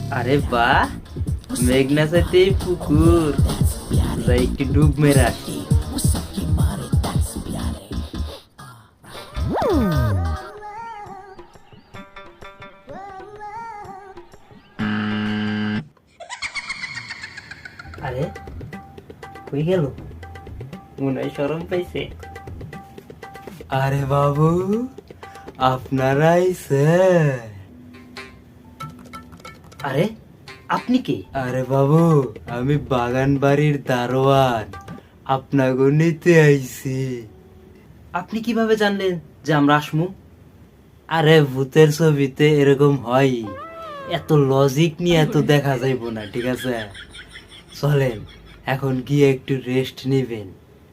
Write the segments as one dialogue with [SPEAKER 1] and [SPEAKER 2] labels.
[SPEAKER 1] আরে বাহ, মেঘনা চাইতেই পুকুর, যাই একটু ডুব মেরে আসি। আরে কই গেল, মনে হয় শরম পাইছে। আরে বাবু, আপনারাই স্যার। আরে আপনি কে? আরে বাবু, আমি বাগান বাড়ির দারোয়ান, আপনাকে নিতে আইছি। আপনি কিভাবে জানলেন যে আমরা আসমু? আরে ভূতের ছবিতে এরকম হয়, এত লজিক নিয়ে এত দেখা যাইব না, ঠিক আছে? চলেন এখন গিয়ে একটু রেস্ট নিবেন।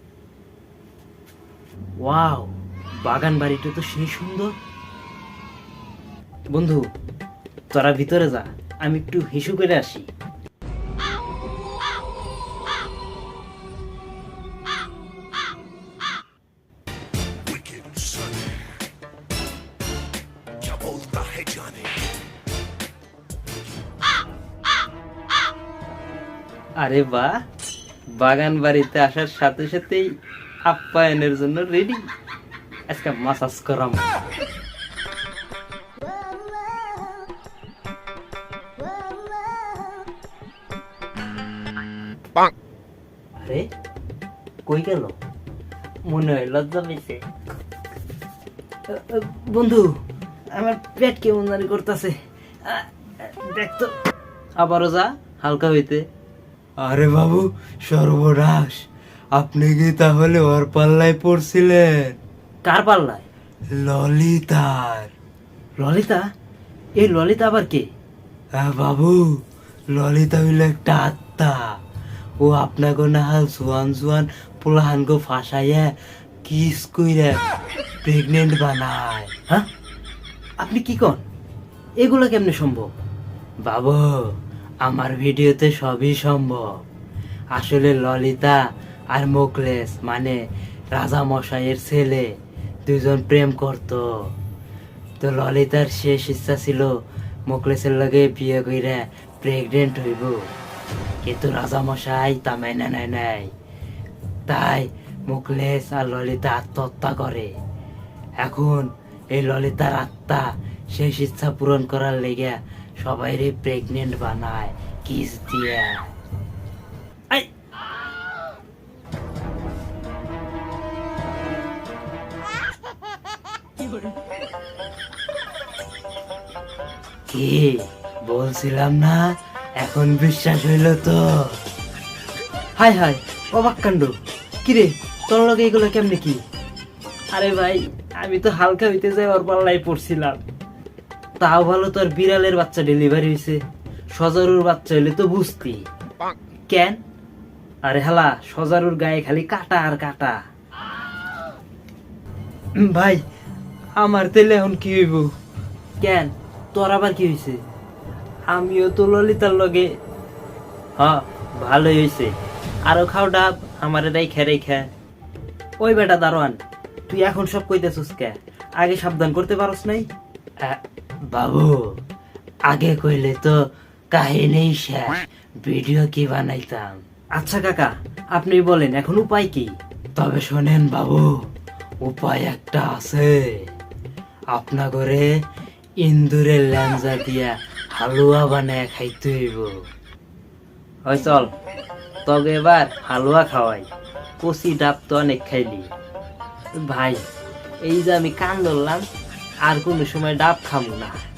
[SPEAKER 1] ওয়াও, বাগান বাড়িটা তো সেই সুন্দর। বন্ধু, তোরা ভিতরে যা, আমি একটু হিসু করে আসি। আরে বাহ, বাগান বাড়িতে আসার সাথে সাথেই আপ্যায়নের জন্য রেডি। আজকে মাসাজ করাম। আরে কই গেল, মনে হয় লজ্জা পেয়েছে। বন্ধু, আমার পেট কেমন জানি করতেছে, দেখতো। আবারও যা হালকা হইতে। আরে বাবু, সর্বনাশ, আপনি কি তাহলে ওর পাল্লায় পড়ছিলেন? কার পাল্লায়? ললিতার। ললিতা? এই ললিতা আবার কে? বাবু, ললিতা হইল একটা আত্মা। ও আপনাকে না হাল জোয়ান জোয়ান পোলাহানকে ফাঁসাইয়া কিস কইরা প্রেগনেন্ট বানায়। হ্যাঁ, আপনি কি কন? এগুলো কেমনে সম্ভব? বাবু, আমার ভিডিওতে সবই সম্ভব। আসলে ললিতা আর মোকলেস মানে রাজা মশাইয়ের ছেলে দুজন প্রেম করত। তো ললিতার শেষ ইচ্ছা ছিল মোকলেসের লগে বিয়ে কইরা প্রেগনেন্ট হইব, কিন্তু রাজা মশাই তা মেনে নেয় নাই। তাই মোকলেস আর ললিতা আত্মহত্যা করে। এখন এই ললিতার আত্মা শেষ ইচ্ছা পূরণ করার লেগে সবাইরে প্রেগনেন্ট বানায় কিস দিয়া। কি বলছিলাম না, এখন বিশ্বাস হইল তো? হাই হাই, অবাক কাণ্ড। কিরে, তোর লগে এগুলো কেমনে কি? আরে ভাই, আমি তো হালকা হইতে যাই ওর পাল্লাই পড়ছিলাম। তাও ভালো তোর বিড়ালের বাচ্চা ডেলিভারি হয়েছে, সজারুর বাচ্চা হইলে তো বুঝতি। কেন? আরে হালা, সজারুর গায়ে খালি কাটা আর কাটা। ভাই, আমার তেলে এখন কি হইব? কেন, তোর আবার কি হয়েছে? আমিও তো ললিতার লগে। হ্যাঁ, ভালোই হয়েছে। আরো খাও ডাব, আমার এটাই খেরে খা। ওই বেটা দারোয়ান, তুই এখন সব কইতেছিস কে? আগে সাবধান করতে পারস নাই? বাবু, আগে কইলে তো কাহিনী শেষ, ভিডিও কি বানাইতাম। আচ্ছা কাকা, আপনি বলেন এখন উপায় কি? তবে শোনেন বাবু, উপায় একটা আছে। আপনা করে ইন্দুরের ল্যাঞ্জা দিয়া হালুয়া বানায় খাইতে হইব। ওই চল, তবে এবার হালুয়া খাওয়াই। কচি ডাব তো অনেক খাইলি। ভাই, এই যে আমি কান ধরলাম, আর কোনো সময় ডাব খাবো না।